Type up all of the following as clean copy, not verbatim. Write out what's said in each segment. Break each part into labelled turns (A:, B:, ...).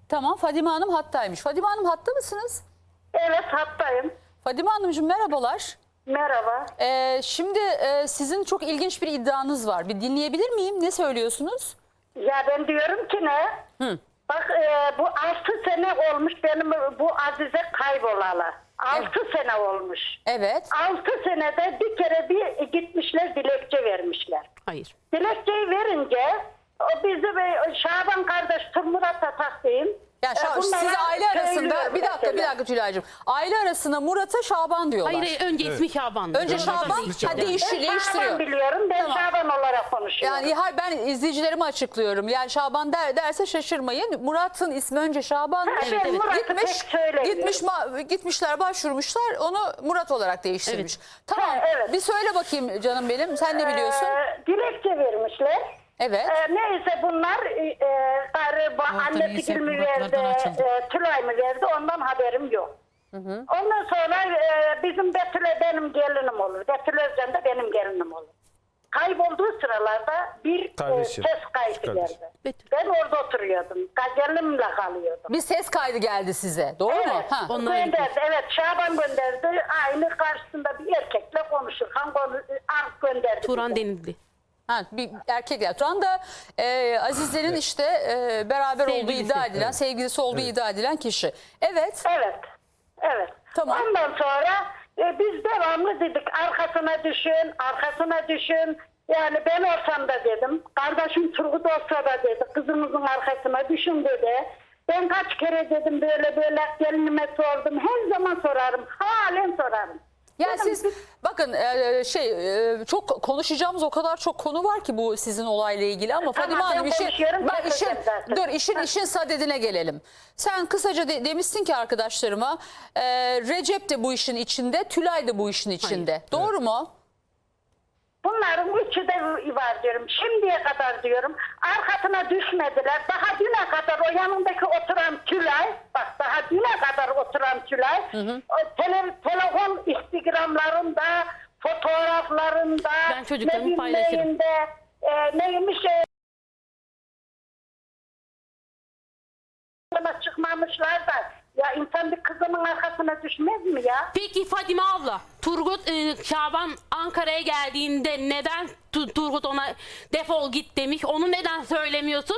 A: Tamam, Fadime Hanım hattaymış. Fadime Hanım hatta mısınız?
B: Evet, hattayım.
A: Fadime Hanımcığım merhabalar.
B: Merhaba.
A: Şimdi sizin çok ilginç bir iddianız var. Bir dinleyebilir miyim? Ne söylüyorsunuz?
B: Ya ben diyorum ki ne? Bak bu 6 sene olmuş benim bu Azize kaybolalı. 6 sene olmuş.
A: Evet.
B: 6 senede bir kere bir gitmişler, dilekçe vermişler.
C: Hayır.
B: Dilekçeyi verince o bizi Şaban kardeş Murat'a takayım.
A: Yani siz aile arasında bir dakika Tülay'cığım. Aile arasında Murat'a Şaban diyorlar.
C: Hayır, önce ismi Şaban.
A: Önce Şaban değiştiriyor.
B: Şaban biliyorum, ben
A: Tamam.
B: Şaban olarak konuşuyorum.
A: Yani ben izleyicilerime açıklıyorum. Yani Şaban derse şaşırmayın. Murat'ın ismi önce Şaban.
B: Evet, Murat'ı pek söylemiyorum.
A: Gitmişler başvurmuşlar. Onu Murat olarak değiştirmiş. Tamam.
B: Evet.
A: Bir söyle bakayım canım benim. Sen ne biliyorsun?
B: Dilekçe vermişler.
A: Evet.
B: Neyse bunlar annesi mi verdi, Tülay mı verdi, ondan haberim yok. Ondan sonra bizim Betül'e benim gelinim olur. Betül Özcan da benim gelinim olur. Kaybolduğu sıralarda bir ses kaydı geldi. Ben orada oturuyordum. Gelinimle kalıyordum.
A: Bir ses kaydı geldi size. Doğru mu?
B: Evet,
A: Ha.
B: gönderdi. Evet, Şaban gönderdi. Aynı karşısında bir erkekle konuşurken gönderdi.
C: Turan
B: bize.
C: denildi.
A: Ha, bir erkekler. Şu anda Azize'nin işte beraber olduğu iddia edilen, sevgilisi olduğu iddia edilen kişi. Evet.
B: Evet. Evet.
A: Tamam.
B: Ondan sonra biz devamlı dedik arkasına düşün, arkasına düşün. Yani ben olsam da dedim. Kardeşim Turgut olsa da dedi. Kızımızın arkasına düşün dedi. Ben kaç kere dedim böyle gelinime sordum. Her zaman sorarım. Halen sorarım.
A: Yani
B: Dedim,
A: siz bakın çok konuşacağımız o kadar çok konu var ki bu sizin olayla ilgili ama
B: Tamam,
A: Fadime Hanım
B: ben konuşuyorum,
A: işin sadedine gelelim. Sen kısaca demişsin ki arkadaşlarıma Recep de bu işin içinde, Tülay da bu işin içinde. Doğru mu?
B: bunların üçü de var diyorum. Şimdiye kadar diyorum arkasına düşmediler. Daha düne kadar o yanındaki oturan Tülay, bak daha düne kadar oturan Tülay, o telefon instagramlarında, fotoğraflarında,
C: Ben çocuklarımı paylaşırım.
B: neymiş çıkmamışlar da ya insan bir kızının arkasına düşmez mi ya?
C: Peki Fadime abla, Turgut Şaban Ankara'ya geldiğinde neden Turgut ona defol git demiş? Onu neden söylemiyorsun?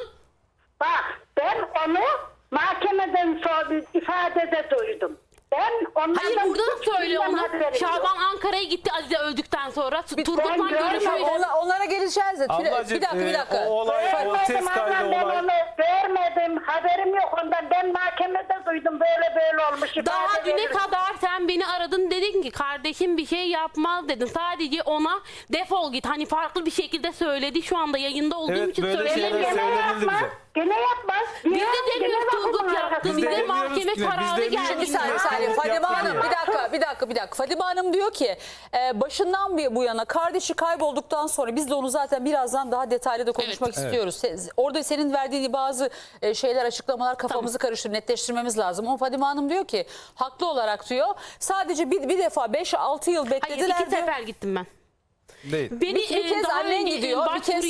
B: Bak ben onu mahkemeden sonra ifadede duydum. Ben onlardan
C: Hayır, burada da söyle onu.
B: haberim yok.
C: Şaban Ankara'ya gitti Azize öldükten sonra. Turgut'la
B: görmedim.
C: görüşmüş.
A: Onlara geleceğiz de.
D: Ablacığım,
A: Bir dakika.
D: o olay, o ses
B: Görmedim
D: kaydı
B: ablam, ben
D: olay.
B: onu görmedim. Haberim yok ondan. Ben mahkemede duydum böyle olmuş.
C: Daha
B: ifade
C: düne
B: verirken.
C: kadar sen beni aradın, dedin ki kardeşim bir şey yapmaz dedin. Sadece ona defol git. Hani farklı bir şekilde söyledi. Şu anda yayında olduğum
D: Evet,
C: için
D: böyle
C: söyleyemiyorum.
D: şeyler
B: Gene
D: söylenildi
B: yapmaz.
D: bize.
B: Gene yapmaz.
C: Biz de
B: Gene
C: demiyoruz
B: bakın
C: Turgut
B: arkasına.
C: yaptı.
D: Biz
C: Bize
D: de demiyoruz
C: mahkeme
D: ki ne, biz
C: kararı
D: de
C: geldi.
A: Bir saniye
D: Turgut
A: Fadime
D: yaptı
A: Hanım
D: diyor.
A: bir dakika. Fadime Hanım diyor ki başından bu yana kardeşi kaybolduktan sonra biz de onu zaten birazdan daha detaylı da konuşmak istiyoruz. Orada senin verdiğin bazı şeyler, açıklamalar kafamızı karıştırıp netleştirmemiz lazım. Ama Fadime Hanım diyor ki haklı olarak diyor sadece bir defa 5-6 yıl beklediler.
C: Hayır, 2
A: diyor.
C: sefer gittim ben.
D: Değil.
C: Beni
A: Bir kez
C: daha
A: annen
C: önce
A: gidiyor,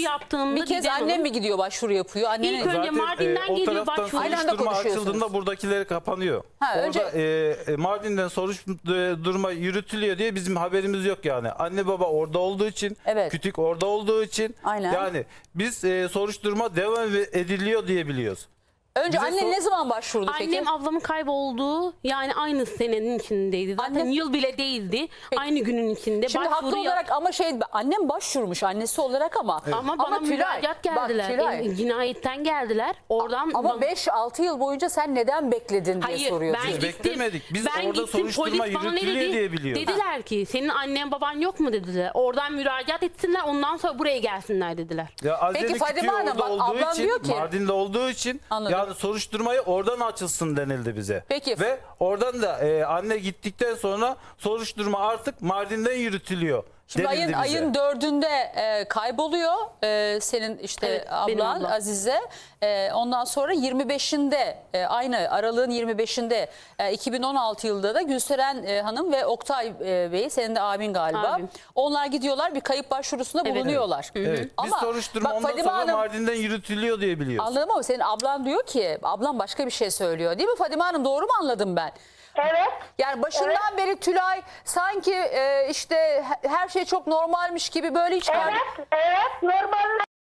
A: bir kez annem mi gidiyor başvuru yapıyor? Annenin...
C: İlk önce Mardin'den
D: o
C: geliyor
D: taraftan
C: başvuru.
A: Aynı anda
D: soruşturma
A: konuşuyorsunuz.
D: açıldığında buradakileri kapanıyor.
A: Ha,
D: Orada Mardin'den soruşturma yürütülüyor diye bizim haberimiz yok yani. Anne baba orada olduğu için,
A: Evet.
D: kütük orada olduğu için
A: Aynen.
D: yani biz soruşturma devam ediliyor diye biliyoruz.
A: Önce
D: Bize
A: annen ne zaman başvurdu peki?
C: Annem ablamın kaybolduğu yani aynı senenin içindeydi. Zaten
A: Annem-
C: yıl bile değildi. Aynı günün içinde.
A: Şimdi
C: başvuru
A: haklı olarak ama annem başvurmuş annesi olarak ama.
C: Ama bana
A: Tülay,
C: müracaat geldiler.
A: Bak, Tülay,
C: Cinayetten geldiler. Oradan
A: ama
C: bana-
A: 5-6 yıl boyunca sen neden bekledin diye
C: Hayır,
A: soruyorsun.
C: ben
D: Biz
C: gittim.
D: beklemedik. Biz
C: Ben
D: orada
C: gittim,
D: soruşturma
C: polis bana ne
D: yürütülüyor
C: dedi?
D: diye biliyoruz.
C: Dediler ki senin annen baban yok mu dediler. Oradan müracaat etsinler, ondan sonra buraya gelsinler dediler.
D: Ya Azize'nin
A: Peki Fadime
D: kütüğü
A: Hanım,
D: orada
A: bak,
D: olduğu
A: ablam
D: için,
A: diyor ki-
D: Mardin'de olduğu için
A: Anladım.
D: yani soruşturmayı oradan açılsın denildi bize.
A: Peki.
D: Ve oradan da anne gittikten sonra soruşturma artık Mardin'den yürütülüyor.
A: Şimdi
D: denildi bize.
A: ayın 4'ünde kayboluyor senin işte
C: Evet, benim
A: ablan
C: ablam.
A: Azize. Ondan sonra 25'inde aynı aralığın 25'inde 2016 yılında da Gülseren Hanım ve Oktay Bey, senin de abin galiba.
C: Abim.
A: Onlar gidiyorlar, bir kayıp başvurusunda
C: Evet.
A: bulunuyorlar.
D: Evet. Biz
A: Ama
D: soruşturma
A: bak
D: ondan
A: Fadime
D: sonra
A: Hanım,
D: Mardin'den yürütülüyor diye biliyoruz.
A: anladım ama senin ablan diyor ki, ablam başka bir şey söylüyor değil mi Fadime Hanım, doğru mu anladım ben?
B: Evet.
A: Yani başından beri Tülay sanki işte her şey çok normalmiş gibi böyle hiç
B: Evet, normal.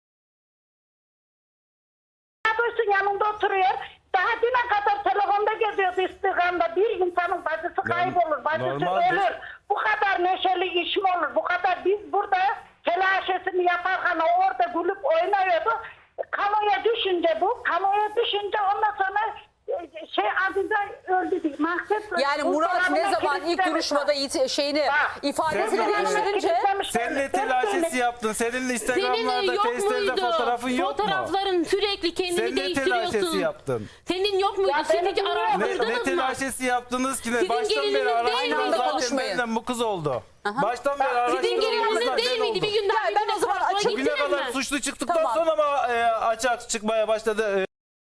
B: Dursun yanında oturuyor. Daha düne kadar telefonda geziyordu istikamda. Bir insanın bacısı kaybolur, bacısı
D: normaldir.
B: ölür. Bu kadar neşeli iş mi olur? Bu kadar biz burada telaşesini yaparken o orada gülüp oynuyordu. Kamuya düşünce ondan sonra adında öldü diye.
A: Yani Murat ne zaman ilk duruşmada ifadesini
D: Sen-
A: değiştirince
D: Sen ne telaşesi yaptın? Senin
C: Senin
D: Instagram'larda,
C: yok
D: Face'lerde
C: muydu?
D: fotoğrafın yok mu?
C: Fotoğrafların sürekli kendini
D: Sen ne
C: değiştiriyorsun.
D: telaşesi yaptın?
C: Senin yok muydu?
B: Ya
C: Seni
B: benim
D: Ne
C: araştırdınız mı?
D: telaşesi yaptınız ki?
C: Sizin
D: Baştan beri
C: gelininiz değil
D: araştırdınız
C: miydi?
D: zaten
A: Konuşmayın.
D: benden bu kız oldu. Baştan beri
C: Sizin
D: araştırdınız
C: gelininiz
D: kızlar
C: değil
D: ben
C: miydi?
D: oldu.
C: Bir gün daha
A: Ya ben o zaman açık-
D: Bugüne
C: gittiler
D: kadar
C: mi?
D: suçlu çıktıktan
A: Tamam.
D: sonra mı açığa çıkmaya başladı?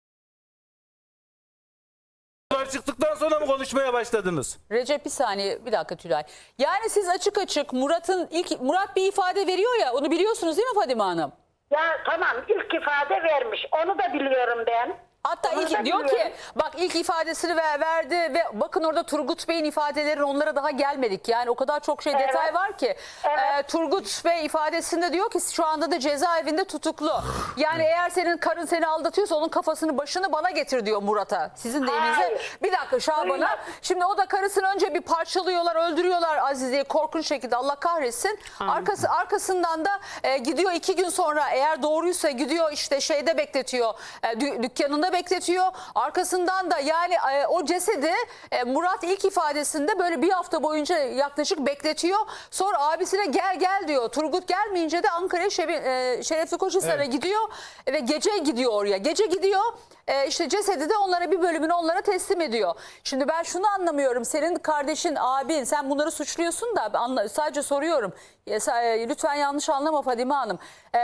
D: Çıktıktan sonra mı konuşmaya başladınız?
A: Recep bir saniye, bir dakika Tülay. Yani siz açık açık Murat bir ifade veriyor ya, onu biliyorsunuz değil mi Fadime Hanım?
B: Ya tamam, ilk ifade vermiş. Onu da biliyorum ben.
A: Hatta
B: Onu da
A: diyor
B: biliyorum.
A: ki bak ilk ifadesini verdi ve bakın orada Turgut Bey'in ifadeleri, onlara daha gelmedik. Yani o kadar çok detay var ki.
B: Evet.
A: Turgut Bey ifadesinde diyor ki şu anda da cezaevinde tutuklu. Yani eğer senin karın seni aldatıyorsa onun kafasını başını bana getir diyor Murat'a. Sizin deyiminize.
B: Hayır.
A: Bir dakika Şaban'a.
B: Duymadım.
A: Şimdi o da karısını önce bir parçalıyorlar, öldürüyorlar Azize'yi korkunç şekilde, Allah kahretsin. Arkasından da gidiyor 2 gün sonra, eğer doğruysa gidiyor işte şeyde bekletiyor, dükkanında bekletiyor. Arkasından da yani o cesedi Murat ilk ifadesinde böyle bir hafta boyunca yaklaşık bekletiyor. Sonra abisine gel diyor. Turgut gelmeyince de Ankara'ya Şerefli Koçhisar'a gidiyor ve gece gidiyor oraya. Gece gidiyor. İşte cesedi de onlara, bir bölümünü onlara teslim ediyor. Şimdi ben şunu anlamıyorum. Senin kardeşin, abin, sen bunları suçluyorsun da sadece soruyorum. Lütfen yanlış anlama Fadime Hanım.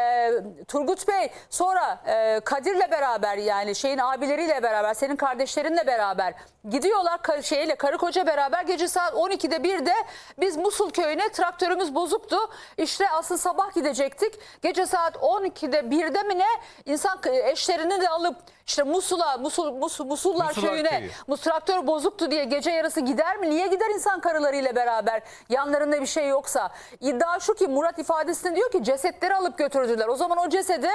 A: Turgut Bey sonra Kadir'le beraber, yani şeyin abileriyle beraber, senin kardeşlerinle beraber gidiyorlar karı koca beraber gece saat 12'de 1'de biz Musul köyüne, traktörümüz bozuktu. İşte asıl sabah gidecektik. Gece saat 12'de 1'de mi ne, insan eşlerini de alıp işte Musullar
D: Musullar
A: köyüne,
D: köyü.
A: traktör bozuktu diye gece yarısı gider mi? Niye gider insan karılarıyla beraber? Yanlarında bir şey yoksa. İddia şu ki Murat ifadesinde diyor ki cesetleri alıp götürdüler. O zaman o cesedi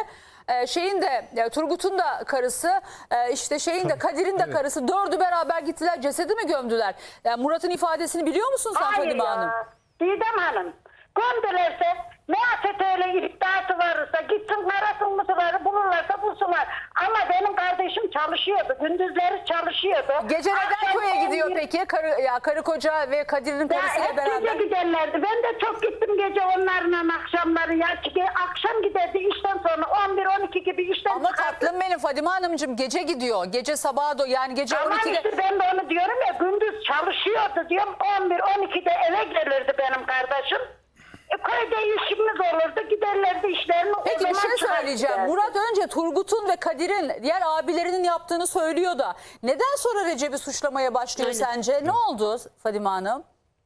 A: Turgut'un da karısı, işte Kadir'in de karısı, dördü beraber gittiler, cesedi mi gömdüler? Yani Murat'ın ifadesini biliyor musun sen
B: Hayır
A: Fadime
B: ya.
A: Hanım?
B: Didem Hanım. Gömdülerse, ne afet öyle iddiası varsa gitsin karasın mısırları bulurlarsa bulsunlar. Ama benim kardeşim çalışıyordu. Gündüzleri çalışıyordu.
A: Gece neden
B: Akşam
A: köye gidiyor
B: 11
A: peki? Karı koca ve Kadir'in
B: Ya
A: karısıyla
B: hep
A: beraber.
B: gece giderlerdi. Ben de çok gittim gece onlarla akşamları. Ya akşam giderdi işten sonra 11-12 gibi işten
A: Ama
B: çıkardı.
A: tatlım benim Fadime Hanımcığım, gece gidiyor. Gece sabaha yani gece
B: Ama
A: 12'de.
B: işte ben de onu diyorum ya, gündüz çalışıyordu diyorum. 11-12'de eve gelirdi benim kardeşim. Köyde işimiz olurdu, giderlerdi işlerini.
A: Peki
B: o
A: bir
B: zaman
A: şey söyleyeceğim.
B: çıkardı.
A: Murat önce Turgut'un ve Kadir'in, diğer abilerinin yaptığını söylüyor da neden sonra Recep'i suçlamaya başlıyor
C: Aynen.
A: sence? Ne oldu Fadime Hanım?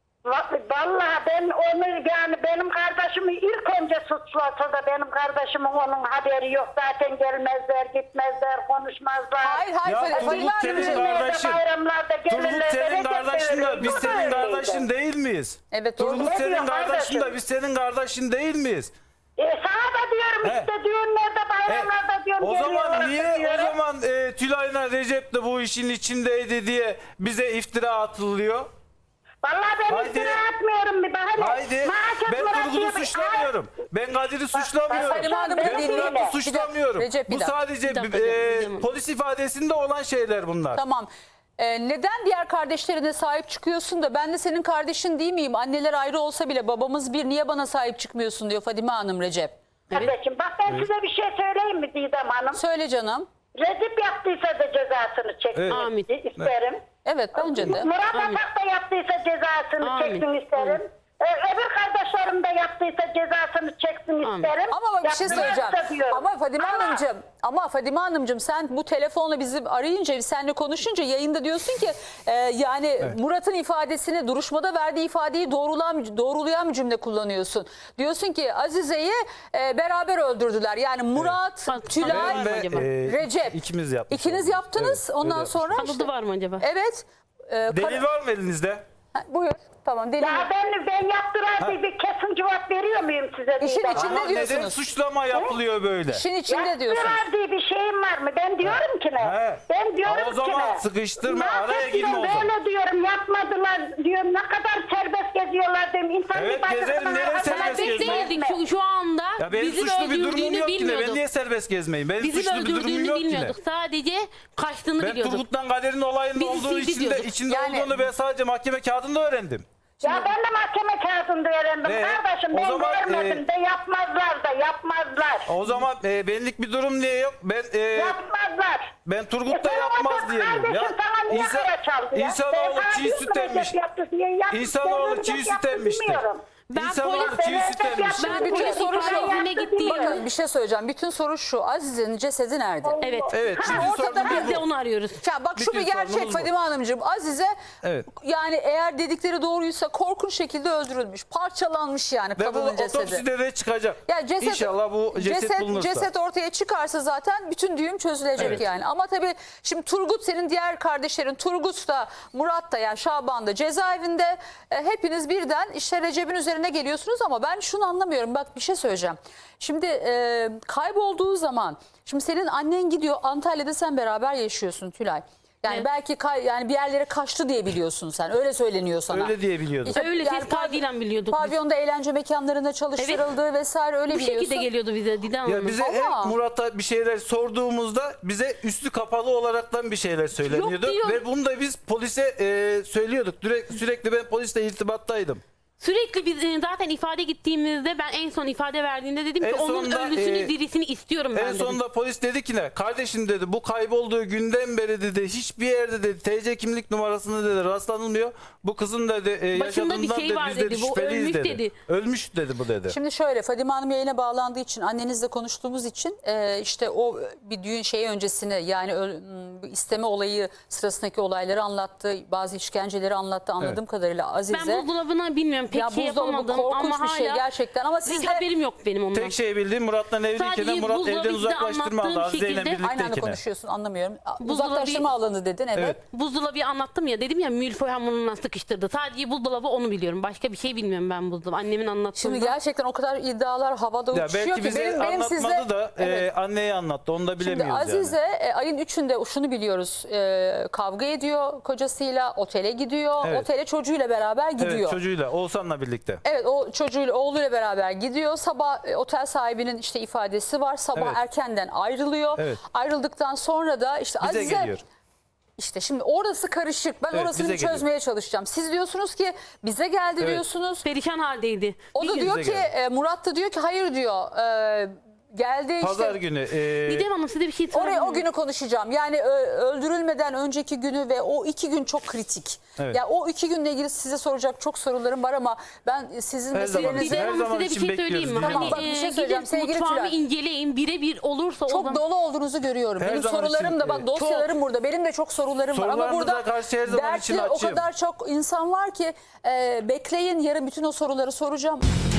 B: Vallahi ben onu, yani benim kardeşimi ilk önce suçlasa da benim kardeşimin onun haberi yok. Zaten gelmezler, gitmezler, konuşmazlar.
A: Hayır
D: Ya
A: Fadime
D: Turgut senin
A: Hanımcığım.
D: kardeşin.
B: Bayramlarda
D: Turgut
B: gelirler.
D: senin
B: Recep
D: kardeşin
B: de
D: de
B: öyleydi,
D: biz
B: bu da
D: senin
B: öyleydi.
D: kardeşin değil miyiz?
A: Evet, doğru.
D: Turgut
B: Ne
D: senin
B: diyor
D: kardeşin de
B: kardeşim?
D: biz senin kardeşin değil miyiz?
B: Sana da diyorum
D: He.
B: işte düğünlerde, bayramlarda diyorum.
D: O zaman
B: geliyorlar,
D: niye
B: diyorum.
D: o zaman Tülay'la Recep de bu işin içindeydi diye bize iftira atılıyor?
B: Vallahi ben
D: Haydi.
B: iftira atmıyorum bir bahane.
D: Haydi.
B: Maaşet
D: Ben
B: Murat
D: Turgut'u
B: diyor bir-
D: suçlamıyorum. Ben Kadir'i suçlamıyorum.
A: Fadime Hanım
B: Ben
A: dediğini-
B: Murat'ı
D: Murat'ı
A: Bir
D: suçlamıyorum.
A: dakika, Recep, bir
D: Bu
A: dakika.
D: sadece
C: Bir dakika.
D: polis ifadesinde olan şeyler bunlar.
A: Tamam. Neden diğer kardeşlerine sahip çıkıyorsun da ben de senin kardeşin değil miyim? Anneler ayrı olsa bile babamız bir, niye bana sahip çıkmıyorsun diyor Fadime Hanım Recep.
B: Kardeşim bak ben size bir şey söyleyeyim mi Didem Hanım?
A: Söyle canım.
B: Recep yaptıysa da cezasını çeksin
D: Evet.
C: Amin.
B: isterim.
A: Evet bence de.
B: Murat
C: Amin.
B: Atak da yaptıysa cezasını
C: Amin.
B: çeksin isterim. Öbür kardeşlerim de yaptıysa cezasını çeksin isterim.
A: Ama bak bir şey
B: Yaptılarsa
A: söyleyeceğim.
B: diyorum.
A: Ama Fadime Hanımcığım sen bu telefonla bizi arayınca, seninle konuşunca yayında diyorsun ki yani Murat'ın ifadesini, duruşmada verdiği ifadeyi doğrulayan bir cümle kullanıyorsun. Diyorsun ki Azize'yi beraber öldürdüler. Yani Murat, Tülay,
C: Ben ve,
A: acaba? Recep.
D: ikimiz yapmış
A: İkiniz
D: olduk.
A: yaptınız.
D: Evet,
A: Ondan
D: öyle
A: sonra
C: Kanıtı var mı acaba?
A: evet.
D: Delil var mı elinizde?
A: Buyur. Tamam delil.
B: Ya ben yaptıran bir kesin cevap veriyor muyum size?
A: İşin
B: Didem?
A: içinde
D: Ama
A: diyorsunuz.
D: neden suçlama yapılıyor böyle?
A: İşin içinde diyorsunuz.
B: Yaptıran diye bir şeyim var mı? Ben diyorum ki ne?
D: He.
B: Ben diyorum
D: O zaman
B: ki ne?
D: sıkıştırma,
B: Ne
D: araya
B: yapayım
D: girme o
B: ben?
D: zaman.
B: Böyle diyorum yapmadılar diyorum. Ne kadar serbest geziyorlar diyorum. İnsan
D: Evet,
B: bir bacısına
D: gezerim, nereye
B: hakaret
D: serbest
B: etmez
D: gezmeyeyim?
B: mi?
C: Değildik şu anda
D: Ya benim
C: bizim
D: suçlu bir durumum
C: öldürdüğünü
D: yok ki ne? Ben
C: bilmiyorduk.
D: niye serbest gezmeyeyim? Benim
C: Bizim
D: suçlu bir durumum
C: öldürdüğünü
D: yok ki ne?
C: bilmiyorduk. Sadece kaçtığını
D: Ben
C: biliyorduk.
D: Turgut'tan Kader'in olayının
C: Bizi
D: olduğu
C: sildi diyorduk.
D: içinde
A: Yani-
D: olduğunu ben sadece mahkeme kağıdında öğrendim.
B: Ya ben de mahkeme kağıdında öğrendim.
D: Ne?
B: Kardeşim
D: O
B: ben
D: zaman,
B: görmedim de yapmazlar da yapmazlar.
D: O zaman benlik bir durum niye yok?
B: Yapmazlar.
D: Ben Turgut da
B: Sen
D: yapmaz
B: orada
D: diyelim ya.
B: kardeşim sana niye kara çaldı ya?
D: İnsanoğlu
B: Ben sana
D: çiğ
B: diyorum
D: süt
B: ki
D: emmiş.
B: Recep yaptı diye yaptı.
D: İnsanoğlu
B: Ben
D: çiğ
B: Recep
D: süt
B: yaptı
D: emmiştir.
B: bilmiyorum.
C: Ben
D: İnsanoğlu
C: polis-
D: çiğ süt
B: Ben
D: emmiştir.
C: Ben
A: bütün
C: polis
A: soru şu.
C: ifadesine gittiğim
A: Bakın bir şey söyleyeceğim. Bütün soru şu. Aziz'in cesedi nerede?
C: Evet.
D: Evet.
B: Ha,
D: Bütün
A: ortada
D: sorunumuz
C: Biz de
D: bu.
C: onu arıyoruz.
A: Ya bak şu
D: Bütün
A: bir gerçek
D: sorunumuz bu.
A: Fadime Hanımcığım. Azize
D: Evet.
A: yani eğer dedikleri doğruysa korkunç şekilde öldürülmüş. Parçalanmış yani
D: Ve bu
A: kadının cesedi.
D: otopside de çıkacak.
A: Ya ceset,
D: İnşallah bu ceset bulunursa.
A: ceset ortaya çıkarsa zaten bütün düğüm çözülecek
D: Evet.
A: yani. Ama tabii şimdi Turgut, senin diğer kardeşlerin Turgut da Murat da yani Şaban da cezaevinde. Hepiniz birden işte Recep'in üzerine geliyorsunuz ama ben şunu anlamıyorum. Bak bir şey söyleyeceğim. Şimdi kaybolduğu zaman şimdi senin annen gidiyor Antalya'da, sen beraber yaşıyorsun Tülay. Yani
C: Evet.
A: belki bir yerlere kaçtı diye biliyorsun sen. Öyle söyleniyor sana.
D: Öyle diye biliyordum.
A: İşte
C: Öyle
A: yani
C: ses kaydıyla biliyorduk biz.
A: Pavyonda eğlence mekanlarında çalıştırıldığı vesaire öyle
C: Bu
A: biliyorsun.
C: şekilde geliyordu bize Didem Hanım.
D: Ya bize
A: Ama-
D: hep Murat'a bir şeyler sorduğumuzda bize üstü kapalı olaraktan bir şeyler söyleniyordu.
C: Yok diyor.
D: Ve bunu da biz polise söylüyorduk. Sürekli ben polisle irtibattaydım.
C: Sürekli biz zaten ifade gittiğimizde ben en son ifade verdiğinde dedim ki
D: En
C: onun
D: sonunda,
C: ölüsünü dirisini istiyorum ben
D: En
C: dedim.
D: sonunda polis dedi ki ne? Kardeşim dedi, bu kaybolduğu günden beri dedi hiçbir yerde dedi TC kimlik numarasını dedi rastlanılmıyor. Bu kızın dedi
C: Başında bir
D: yaşadığından
C: şey
D: dedi
C: var
D: biz dedi
C: dedi, bu
D: şüpheliyiz
C: ölmüş
D: dedi.
C: dedi.
D: Ölmüş dedi bu dedi.
A: Şimdi şöyle, Fadime Hanım yayına bağlandığı için, annenizle konuştuğumuz için işte o bir düğün şeyi öncesini yani isteme olayı sırasındaki olayları anlattı. Bazı işkenceleri anlattı anladığım
D: Evet.
A: kadarıyla Azize.
C: Ben buzdolabına bilmiyorum pek
A: ya
C: şey
A: buzdolabı
C: yapamadım
A: korkunç
C: ama
A: bir şey
C: hala
A: gerçekten ama
C: hiç
A: siz de
C: haberim yok benim ondan.
D: Tek şey bildiğim Murat'la evliyken
C: Sadece
D: Murat
C: buzdolabı
D: evden
C: size
D: uzaklaştırma aldı
C: anlattığım
D: Azize'yle
C: şekilde-
A: aynı anda
D: birlikteyken.
A: konuşuyorsun, anlamıyorum.
C: Buzdolabı-
A: Uzaklaştırma alanı dedin, evet.
D: Evet.
C: Buzdolabı anlattım ya, dedim ya milföy hamuruna sıkıştırdı. Sadece buzdolabı onu biliyorum. Başka bir şey bilmiyorum ben buzdolabı. Annemin anlattığında.
A: Şimdi gerçekten o kadar iddialar havada
D: Ya
A: uçuşuyor
D: belki
A: ki
D: bize
A: benim
D: anlatmadı
A: sizle...
D: da
A: Evet.
D: anneye anlattı. Onu da
A: Şimdi
D: bilemiyoruz
A: Azize
D: yani.
A: ayın 3'ünde şunu biliyoruz, kavga ediyor kocasıyla, otele gidiyor,
D: Evet.
A: otele çocuğuyla beraber gidiyor.
D: Evet, çocuğuyla Oğuzhan'la birlikte.
A: Evet, o çocuğuyla, oğluyla beraber gidiyor. Sabah otel sahibinin işte ifadesi var. Sabah
D: Evet.
A: erkenden ayrılıyor.
D: Evet.
A: Ayrıldıktan sonra da işte
D: Bize
A: Azize...
D: geliyor.
A: İşte şimdi orası karışık. Ben
D: Evet,
A: orasını
D: bize
A: bir çözmeye çalışacağım. Siz diyorsunuz ki bize geldi
D: Evet.
A: diyorsunuz.
C: perişan haldeydi.
A: O da
C: Bir
A: diyor
D: bize
A: ki
D: geldi.
A: Murat da diyor ki hayır diyor. Geldi
D: Pazar
A: işte.
D: günü.
C: Didem Hanım size bir şey sorabilir
A: Oraya o
C: miyim?
A: günü konuşacağım. Yani öldürülmeden önceki günü ve o 2 gün çok kritik.
D: Evet.
A: Ya o 2 günle ilgili size soracak çok sorularım var ama ben sizin
D: Her zaman
A: meselenizi
C: Didem
D: Her
C: Hanım
D: zaman
C: size bir
D: için
C: şey söyleyeyim mi?
D: bekliyoruz
A: Tamam,
D: Didem
A: bak bir şey söyleyeceğim
C: gidin
A: sevgili
C: mutfağımı
A: Tülay.
C: inceleyin. Birebir olursa o
A: çok
C: zaman...
A: dolu olduğunuzu görüyorum.
D: Her
A: Benim
D: zaman
A: sorularım
D: için,
A: da bak dosyalarım burada. Benim de çok sorularım var ama
D: Sorularınıza
A: burada
D: karşı her zaman için
A: dertli o
D: açığım.
A: kadar çok insan var ki bekleyin, yarın bütün o soruları soracağım.